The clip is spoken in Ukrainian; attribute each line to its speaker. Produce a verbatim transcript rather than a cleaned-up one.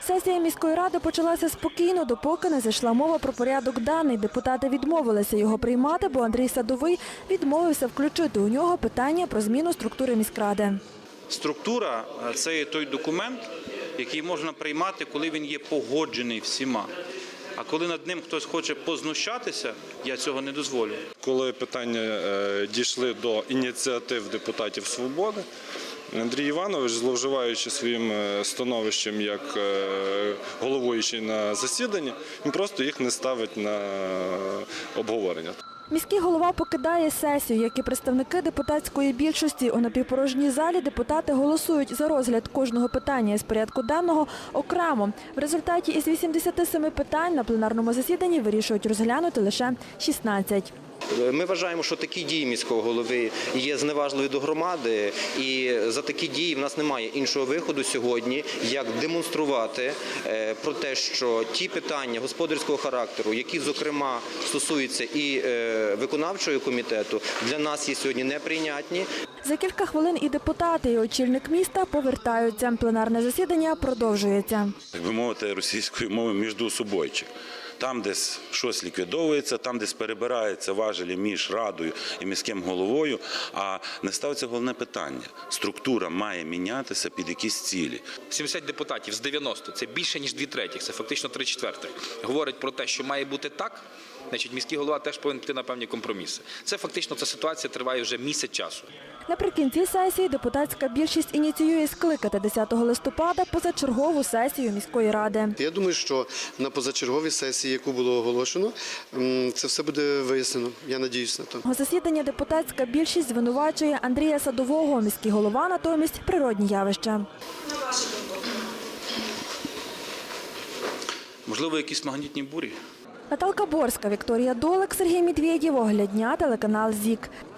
Speaker 1: Сесія міської ради почалася спокійно, допоки не зайшла мова про порядок денний. Депутати відмовилися його приймати, бо Андрій Садовий відмовився включити у нього питання про зміну структури міськради.
Speaker 2: Структура – це є той документ, який можна приймати, коли він є погоджений всіма. А коли над ним хтось хоче познущатися, я цього не дозволю.
Speaker 3: Коли питання дійшли до ініціатив депутатів «Свободи», Андрій Іванович, зловживаючи своїм становищем як головуючий на засіданні, він просто їх не ставить на обговорення.
Speaker 1: Міський голова покидає сесію, як і представники депутатської більшості. У напівпорожній залі депутати голосують за розгляд кожного питання із порядку денного окремо. В результаті із вісімдесяти семи питань на пленарному засіданні вирішують розглянути лише шістнадцять.
Speaker 4: Ми вважаємо, що такі дії міського голови є зневажливі до громади, і за такі дії в нас немає іншого виходу сьогодні, як демонструвати про те, що ті питання господарського характеру, які, зокрема, стосуються і виконавчого комітету, для нас є сьогодні неприйнятні.
Speaker 1: За кілька хвилин і депутати, і очільник міста повертаються. Пленарне засідання продовжується.
Speaker 5: Так би мовити, російською мовою міждоусобойчик. Там десь щось ліквідовується, там десь перебираються важелі між радою і міським головою, а не ставиться головне питання. Структура має мінятися під якісь цілі.
Speaker 6: сімдесят депутатів з дев'яноста, це більше, ніж дві третіх, це фактично три четвертих, говорять про те, що має бути так, значить міський голова теж повинен піти на певні компроміси. Це фактично, ця ситуація триває вже місяць часу.
Speaker 1: Наприкінці сесії депутатська більшість ініціює скликати десятого листопада позачергову сесію міської ради.
Speaker 7: Я думаю, що на позачерговій сесії, яку було оголошено, це все буде вияснено. Я сподіваюся на то.
Speaker 1: У засіданні депутатська більшість звинувачує Андрія Садового, міський голова натомість природні явища.
Speaker 2: Можливо, якісь магнітні бурі?
Speaker 1: Наталка Борська, Вікторія Долик, Сергій Медведєв, Огляд дня, телеканал ЗІК.